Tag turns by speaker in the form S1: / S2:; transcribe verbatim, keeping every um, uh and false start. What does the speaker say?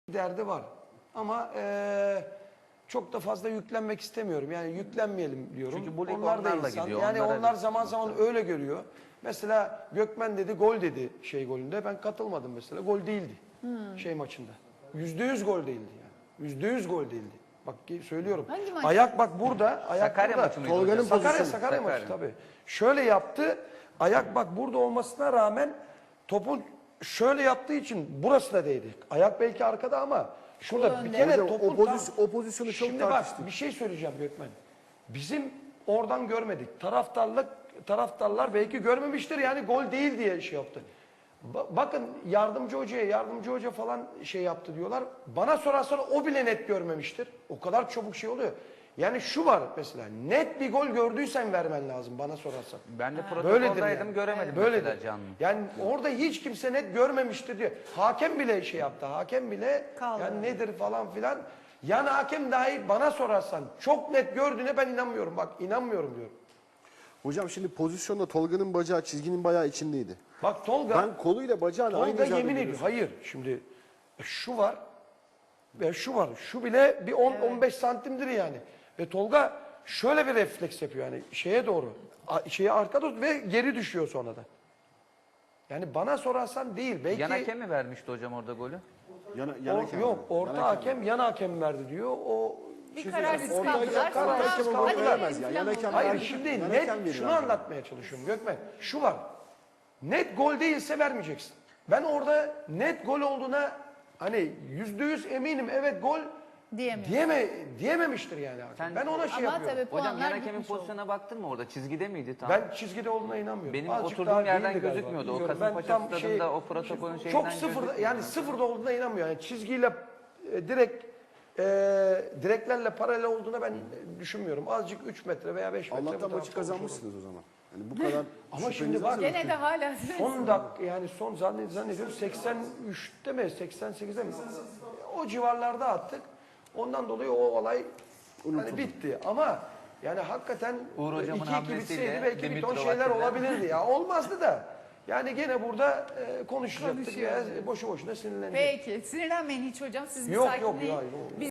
S1: derdi var. Ama e, çok da fazla yüklenmek istemiyorum. Yani yüklenmeyelim diyorum.
S2: Çünkü bu lig
S1: onlar da
S2: onlarla
S1: insan.
S2: gidiyor,
S1: Yani
S2: onlara
S1: onlar
S2: bir-
S1: zaman zaman öyle görüyor. Mesela Gökmen dedi gol dedi şey golünde. Ben katılmadım mesela. Gol değildi. Şey maçında. Yüzde yüz gol değildi yani. Yüzde yüz gol değildi. Bak söylüyorum.
S3: Hangi maç?
S1: Ayak bak burada. Ayak
S2: Sakarya
S1: burada.
S2: maçı mıydı
S1: Tolga'nın
S2: hocam?
S1: Sakarya,
S2: Pozisyonu.
S1: Sakarya maçı
S2: Sakarya.
S1: tabii. Şöyle yaptı. Ayak bak burada olmasına rağmen topun şöyle yaptığı için burası da değdi. Ayak belki arkada ama şurada bir kere
S4: Hocam,
S1: topun
S4: o pozisyon-
S1: tam-
S4: o pozisyonu çok
S1: Şimdi
S4: tartıştık.
S1: bak bir şey söyleyeceğim Gökmen. Bizim oradan görmedik. Taraftarlık taraftarlar belki görmemiştir yani gol değil diye şey yaptı. Ba- bakın yardımcı hocaya yardımcı hoca falan şey yaptı diyorlar. Bana sorarsan o bile net görmemiştir. O kadar çabuk şey oluyor. Yani şu var mesela net bir gol gördüysen vermen lazım bana sorarsan.
S2: Ben de
S1: Böyledir
S2: protokoldaydım
S1: yani.
S2: göremedim
S1: Böyledir.
S2: mesela canlı.
S1: Yani orada hiç kimse net görmemiştir diyor. Hakem bile şey yaptı. Hakem bile
S3: Kaldı.
S1: yani nedir falan filan. Yani hakem dahi bana sorarsan çok net gördüğüne ben inanmıyorum. Bak inanmıyorum diyorum.
S4: Hocam şimdi pozisyonda Tolga'nın bacağı çizginin bayağı içindeydi.
S1: Bak Tolga,
S4: Ben koluyla bacağını aynı
S1: Tolga
S4: hizada
S1: yemin ediyor.
S4: görüyorsun.
S1: Hayır şimdi şu var ve şu var. Şu bile bir on on beş santimdir yani. Ve Tolga şöyle bir refleks yapıyor yani şeye doğru. a- Şeye arka doğru ve geri düşüyor sonra da. Yani bana sorarsan değil. Belki
S2: Yan hakem mi vermişti hocam orada golü?
S4: Yana,
S1: o-
S4: yana hakem
S1: yok
S4: var.
S1: orta
S4: Yana
S1: hakem yan hakem verdi diyor. O
S3: Bir
S1: şey
S3: kararsız
S1: söyleyeyim, orta
S3: kaldılar.
S1: hakem
S3: Sonra
S1: kararsız
S4: hakem
S1: kaldılar.
S4: onu vermez ya. Yan hakem
S1: Hayır
S4: verdi.
S1: şimdi
S4: Yan
S1: net
S4: hakem verir
S1: şunu
S4: abi.
S1: anlatmaya çalışıyorum Gökmen. Şu var. Net gol değilse vermeyeceksin. Ben orada net gol olduğuna hani yüzde yüz eminim evet gol
S3: Diyemiyor.
S1: diyeme, diyememiştir yani hakem.
S2: Sen-
S1: Ben ona şey
S3: Ama
S1: yapıyorum.
S3: tabii
S2: Hocam yan
S3: puanlar
S2: hakemin
S3: gitmiş oldu.
S2: pozisyona baktın mı orada? Çizgide miydi tam?
S1: Ben çizgide olduğuna inanmıyorum.
S2: Benim
S1: Azıcık
S2: oturduğum
S1: daha
S2: yerden
S1: değildi galiba,
S2: gözükmüyordu. O
S1: bilmiyorum.
S2: Kasımpaşa
S1: Ben tam
S2: stadında o protokolün şeyinden
S1: çok sıfırda
S2: gözükmüyor.
S1: yani sıfırda olduğuna inanmıyorum. Yani çizgiyle e, direkt e, direklerle paralel olduğuna ben e, düşünmüyorum. Azıcık üç metre veya beş metre. bu
S4: Allah'tan
S1: tarafta
S4: maçı
S1: olmuş
S4: kazanmışsınız o zaman. Yani bu kadar
S1: Ama
S4: şüpheniz
S1: şimdi bak-
S4: varsa-
S3: Gene de hala
S1: Son dakika yani son zannet, zannediyorum seksen üçte mi seksen sekizde mi? O civarlarda attık. Ondan dolayı o olay hani bitti ama yani hakikaten
S2: Uğur hocamın
S1: iki iki
S2: hamlesiyle
S1: bitseydi belki bir ton
S2: Dimitrov
S1: şeyler
S2: Atilla.
S1: olabilirdi ya. Olmazdı da. Yani gene burada e, konuşacaktık ya boşu boşuna sinirlenecektik.
S3: Peki sinirlenmeyin hiç hocam. Siz bir
S1: Yok, yok,
S3: sakinleyin.
S1: hayır, yok.
S3: Biz